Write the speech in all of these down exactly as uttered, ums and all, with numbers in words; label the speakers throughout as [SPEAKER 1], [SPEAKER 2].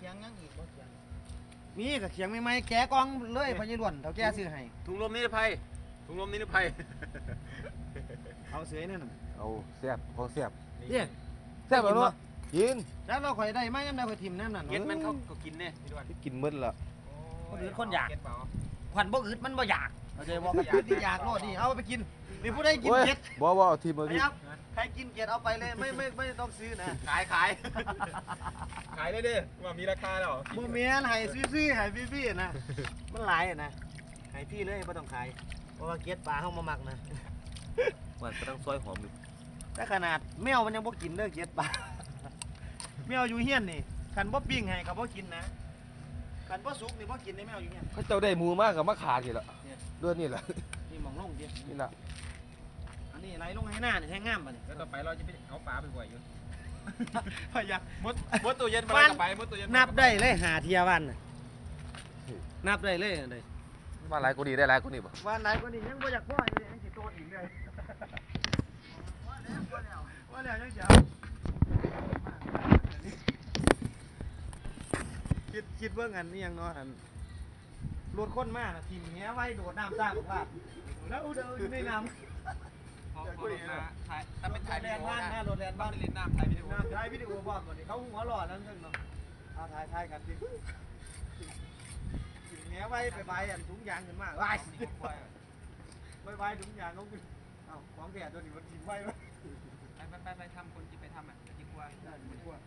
[SPEAKER 1] คียงยังอีกบ่เคียง
[SPEAKER 2] มีกับเขียงไม่ไหมแกะกองเลยพญาล้วนเท่าแกซื้อให้
[SPEAKER 3] ถุงลมนิรภัยถุงลมนิรภัย
[SPEAKER 2] เอาเสือนั่นน่ะ
[SPEAKER 4] เอาแซ่บของแซ่บ
[SPEAKER 2] เนี่ย
[SPEAKER 4] แซ่บเนาะกิน
[SPEAKER 2] แล้วเราข่อยได้ไหมยังได้ข่อยทิมน้ำนั่น
[SPEAKER 3] เก็ดมันเขาก็กินเนี่ยพี่ด้วน
[SPEAKER 4] กินมื้อละ
[SPEAKER 2] คนอื่นคนอยาก
[SPEAKER 3] เก็ดเปล่า
[SPEAKER 2] ขวัญบ่อึดมันบ่อยากเข้าใจบ่กันที่อยากโลดนี่เอาไปกินนี่ผู้ใดกินเก็ด
[SPEAKER 4] บ่บ่เอาทีมเอาทีม
[SPEAKER 2] ครับใครกินเก็ดเอาไปเลยไม่ไม่ไม่ต้องซื้อนะ
[SPEAKER 3] ขายขายขายได้ดิว่ามีราคาแล้ว
[SPEAKER 2] บ่แม่นให้ซื้อๆให้ฟรีๆนะมันหลายอะนะให้พี่เลยบ่ต้องขายเพราะว่าเก็ดปลาเฮามามักนะ
[SPEAKER 4] มันก็ต้องซอยหอมอยู่
[SPEAKER 2] แต่ขนาดแมวมันยังบ่กินเด้อเก็ดปลา แมวอยู่เฮียนนี่คันบ่ปิ้งให้ก็บ่กินนะคันบ่สุกนี่บ่กินในแมวอยู่เฮียน
[SPEAKER 4] เขาเจ้าได้หมูมากกับมะขากี่ละด้วยนี่แหละ
[SPEAKER 2] นี่หมองลงดิ
[SPEAKER 4] นี่แหละ
[SPEAKER 2] อันนี้ไหลลงให้หน้านี่แท้งามบ่นี่
[SPEAKER 3] แล้วต่อไปเราจะไปเอาปลาไปบ่อยอยู่
[SPEAKER 2] พยาก
[SPEAKER 3] มดมดตัวเย็นมาแล้วก็ไปมดตัวเย็น
[SPEAKER 2] นับได้เลยหาเทียวันน่ะนับได้เลยเลย
[SPEAKER 4] มาหลายกูดีได้หลายกูนี่บ่
[SPEAKER 2] วันไหนก็นี่ยังบ่อยากพ่ออยู่เลยยังสิโตอีกเลยว่าแล้วยังสิเอาคิดคิดเบิ่งอันนี้ยังเนาะอันรถคนมาน่ะทีมแหไว้โดดน้ำซ่าบอกว่าแล้วเดินอยู่ในน้ำ
[SPEAKER 3] พอพอมาถ่ายถ้าเป็นถ่าย
[SPEAKER 2] แล
[SPEAKER 3] วิดี
[SPEAKER 2] น
[SPEAKER 3] โอ
[SPEAKER 2] บ้าน
[SPEAKER 3] นะ
[SPEAKER 2] หน้ารถแลน
[SPEAKER 3] บ้า
[SPEAKER 2] บ้าน น
[SPEAKER 3] ไปเล่นน้ำถ่ายวิดีโอ
[SPEAKER 2] น้ำถ่ายวิดีโอบอกก่อนดิเขาหัวหล่อนั่นนึงเนาะเอาถ่ายถ่ายกันดิถึงแม้ไว้ไปใบอันถุงยางขึ้นมาไว้ไปใบถุงยางเขาขึ้นเอ้าของแก่ตัวนี้มันทิ้งไว้ไว้
[SPEAKER 3] ไปไปไปไปทำคนที่ไปทำอ่ะจะยิ่งกว่า
[SPEAKER 2] ไม่กลัว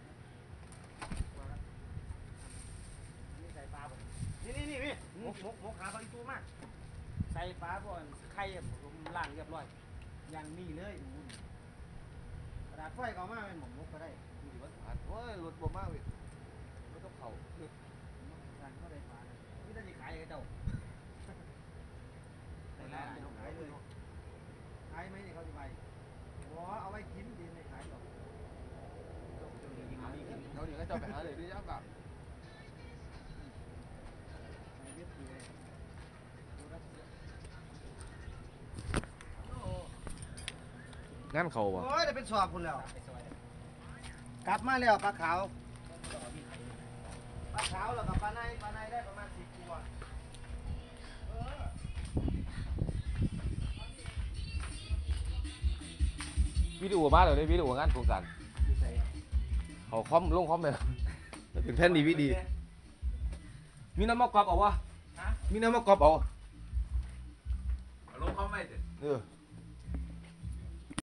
[SPEAKER 2] นี่ใส่ปลาบ่นี่นี่นี่พี่หมกหมกหมกขาปลาอีตูมากใส่ปลาบ่อนไข่ผมล้างเรียบร้อยอย่างนี้เลยกระดาษไฟก็มาเป็นหมกหมกก็ได้
[SPEAKER 4] โอ้ยรถบ่มากเว้ยรถต้องเผา
[SPEAKER 2] ร้านก็ได้ปลานี่ถ้าจะขายให้เจ้าในร้านเขาขายเลยขายไหมเนี่ยเขาจะไปบ่เอาไว้กินดีไม่ขายหรอก
[SPEAKER 4] เขาเดี๋ยวก็จะไปหาเลยด้วยยักษ์แบบ
[SPEAKER 2] ในเว็บเลยดูรัสเซีย
[SPEAKER 4] งั้นเขาบ่
[SPEAKER 2] โอ้ยได้เป็นสอบคุณแล้วกลับมาแล้วปลาขาวปลาขาวแล้วกับปลาในปลาในได้ประมาณสิบตัว
[SPEAKER 4] วิดีโอมาเลยวิดีโองานโครงการเขาคอมลงคอมเลยเป็นแผ่นดีวีดีมีน้ำมะกรอบเอาวะมีน้ำมะกรอบเอา
[SPEAKER 3] ลงเขาไม่เด็ด
[SPEAKER 4] เออ